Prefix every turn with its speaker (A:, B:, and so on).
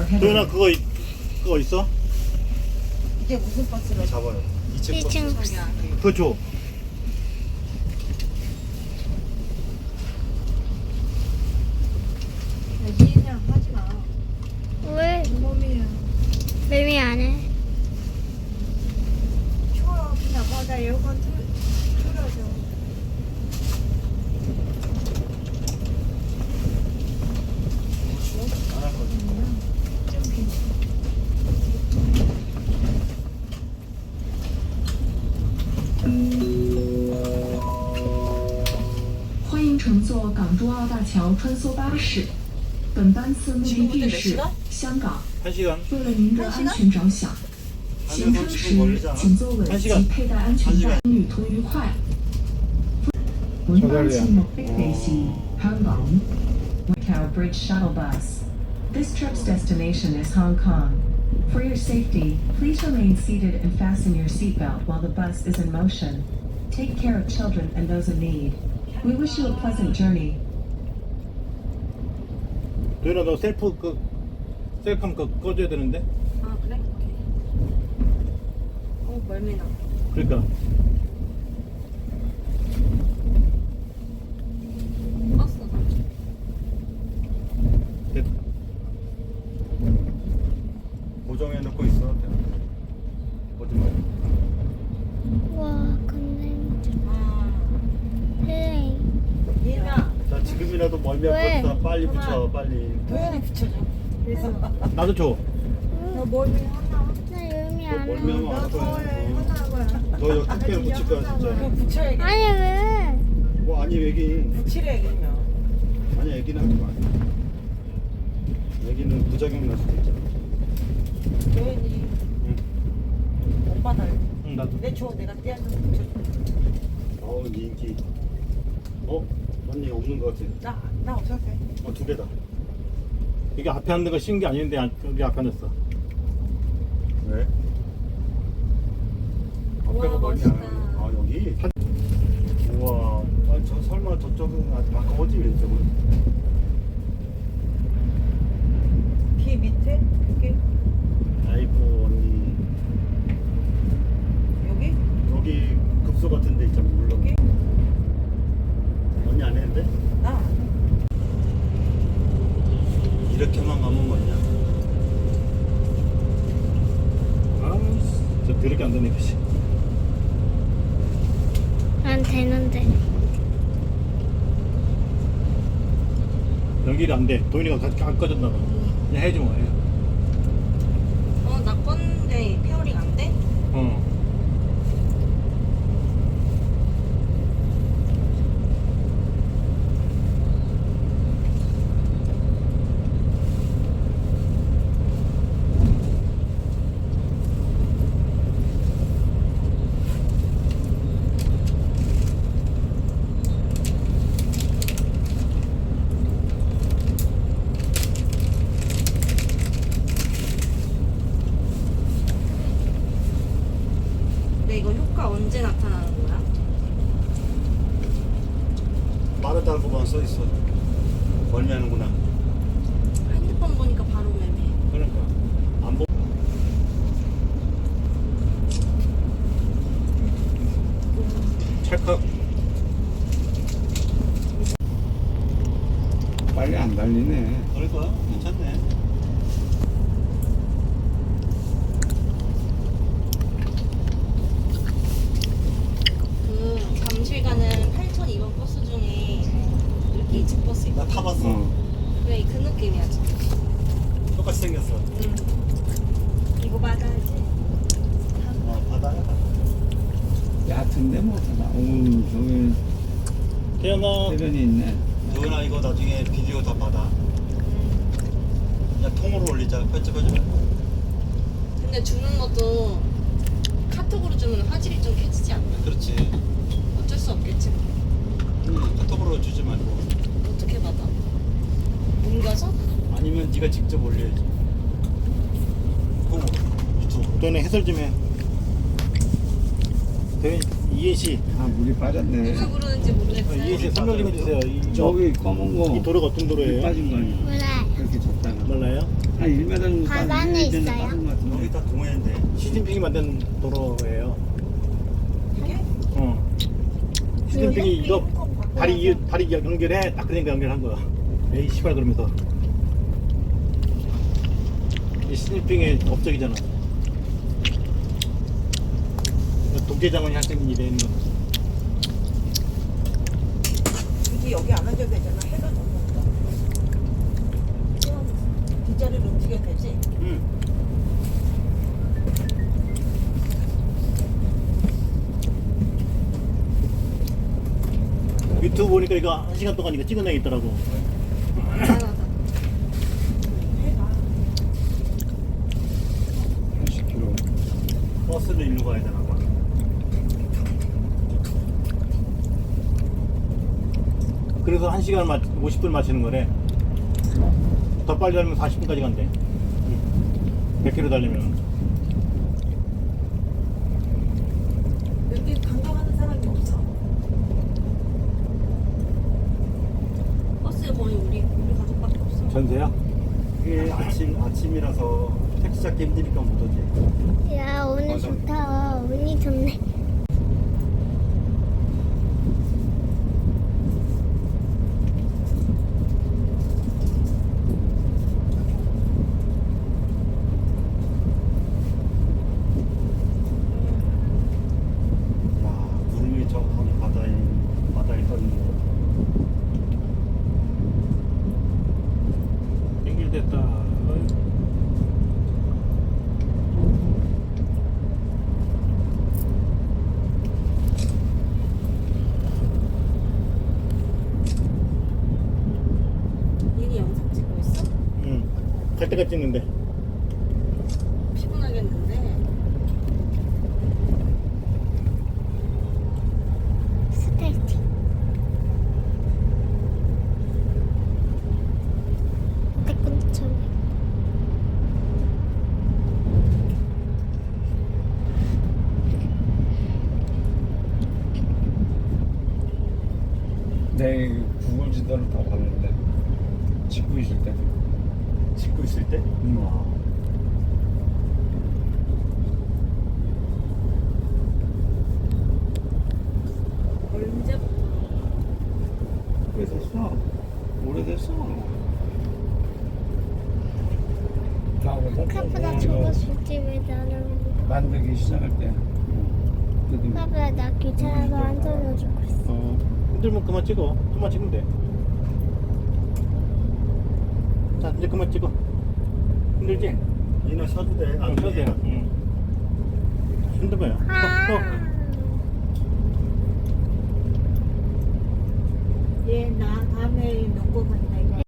A: ahead
B: 도현아
A: of
B: 그거 있어?
C: 이게 무슨 버스로
B: 잡아요. 2층 버스.
D: 2층 버스.
B: 그거 줘.
C: 그냥 하지 마.
D: 왜?
C: 몸이야.
D: 매미 안 해?
C: 추워. 그냥 나 에어컨 틀어줘.
B: 안 할 거지.
C: 좀 괜찮아.
A: 欢迎乘坐港珠澳大桥穿梭巴士。本班次目的地是香港。
B: 1시간.
A: 为了您的安全着想，行车时请坐稳及佩戴安全带。旅途愉快。本班次目的地是香港。Macau Bridge Shuttle Bus. This trip's destination is Hong Kong. For your safety, please remain seated and fasten your seatbelt while the bus is in motion. Take care of children and those in need. We wish you a pleasant journey.
B: 도현아 너 셀카면 꺼줘야 되는데?
C: 아 그래? 오케이. 멀미나.
B: 그러니까.
C: 버스.
B: 됐다. 고정해 놓고 있어. 오지 마.
D: 와, 근데
C: 아.
D: 네.
C: 얘나.
B: 자 지금이라도 멀미할
D: 왜?
B: 것 같다. 빨리 붙여 빨리.
C: 도현이 붙여줘. 그래서
B: 나도 줘.
C: 너 멀미 하나.
D: 나 매미
B: 너
D: 안 해.
B: 멀미하면
C: 나
B: 안
C: 더해.
B: 거야.
C: 하나 거야.
B: 너 여기 택배로 붙일 거야
C: 그거
B: 진짜.
C: 붙여야겠다.
D: 아니 왜?
B: 뭐 아니 애기.
C: 붙이래야겠냐.
B: 아니 애기는 하지 마. 애기는 부작용 날 수도 있잖아.
C: 도현이.
B: 응.
C: 오빠 달.
B: 응 나도.
C: 내 줘. 내가 떼어서 붙여줘.
B: 어우 네 인기. 언니 없는 것 같아.
C: 나 없어도 돼.
B: 2개다. 이게 앞에 앉는 거 쉬운 게 아닌데 여기 앞에 앉았어. 왜? 앞에가
C: 우와,
B: 멀리
C: 멋있다.
B: 아 여기? 우와. 아니 저 설마 저쪽은 가까워지 이쪽은?
C: 뒤 밑에? 여기?
B: 아이고 언니.
C: 여기?
B: 여기 급소 같은 데 있잖아. 물론.
C: 여기?
B: 언니 안 했는데?
C: 나.
B: 이렇게만 가면 뭐냐? 저 더럽게 안 되네 그치?
D: 난 되는데.
B: 연기가 안 돼. 도인이가 안 꺼졌나 봐. 그냥 해줘 뭐 해.
C: 나 건데 페어링 안 돼?
B: 어.
C: 근데 이거 효과 언제 나타나는 거야?
B: 빠르다고만 써 있어. 멀미하는구나.
C: 핸드폰 보니까 바로 매매.
B: 그러니까 안 보. 찰칵.
E: 빨리 안 달리네.
B: 그럴까? 괜찮네.
C: 그 잠실 가는 8002번 버스 중에 이렇게 2층 버스
B: 나
C: 있거든.
B: 타봤어.
C: 그래 그 느낌이야 진짜.
B: 똑같이 생겼어.
C: 응. 이거 받아야지.
B: 바다야.
E: 얕은데 뭐 오우 저기
B: 태연아,
E: 해변이 있네.
B: 도현아 이거 나중에 비디오 다 받아. 그냥 통으로 올리자. 편집하지 말고.
C: 근데 주는 것도 카톡으로 주면 화질이 좀 켜지지 않나?
B: 그렇지.
C: 어쩔 수 없겠지.
B: 카톡으로 주지 말고.
C: 어떻게 받아? 옮겨서?
B: 아니면 네가 직접 올려야지. 유튜브. 도현아 해설 좀 해. 도현 이해 씨.
E: 아 물이 빠졌네.
C: 누굴 부르는지 모르겠어요.
B: 이해 씨 설명 좀 해주세요.
E: 저기 검은 거.
B: 이 도로가 어떤
E: 물이
B: 도로예요?
E: 빠진 거 아니야?
D: 몰라.
E: 그렇게 줬다가.
B: 몰라요?
E: 한 1m 정도
D: 바다는 있어요?
F: 여기 다 동해인데.
B: 시진핑이 만든 도로예요.
C: 이게?
B: 시진핑이 이거 다리 연결해 딱 그러니까 연결한 거야. 에이 씨발 그러면서. 이 시진핑의 업적이잖아. 독재장군이 할 수 있는 일에 있는 거.
C: 굳이 여기 안 앉아도 되잖아. 해가 넘는다. 뒷자리를 움직여도 되지?
B: 응. 유튜브 보니까 이거 1시간 동안 이거 찍은 애 있더라고.
C: 미안하다.
E: 80km.
F: 버스를 일로 가야 되나 봐.
B: 그래서 1시간 50분 마시는 거래. 더 빨리 달리면 40분까지 간대. 100km 달리면.
C: 여기 관광하는 사람이 없어. 버스에 거의 우리 가족밖에 없어.
B: 전세야?
F: 이게 아침이라서 택시 잡기 힘드니까 못 오지.
D: 야, 오늘
E: 맞아.
D: 좋다. 운이 좋네.
F: 야, 구름이 저 거기 바다에 떠 있는 거.
B: 연결됐다.
C: 얘니 영상 찍고 있어?
B: 응. 갈 때까지 찍는데.
C: 피곤하겠는데.
D: 스타트. 태권처럼.
E: 내 구글 지도를 다 봤는데 찍고 있을 때.
F: 찍고 있을 때? 와.
C: 언제부터?
E: 오래됐어. 오래됐어. 다
D: 카프다 저거 줄지 왜 나는.
E: 만들기 시작할 때. 그때
D: 카프다 나 귀찮아서 안 돌려주고 있어.
B: 힘들면 그만 찍어. 그만 찍으면 돼. 자, 이제 그만 찍어. 힘들지?
F: 니나 쉬어도 돼.
B: 안 써도 돼요. 응. 힘들어요.
D: 아.
C: 얘 나 다음에 명고 간다 이거.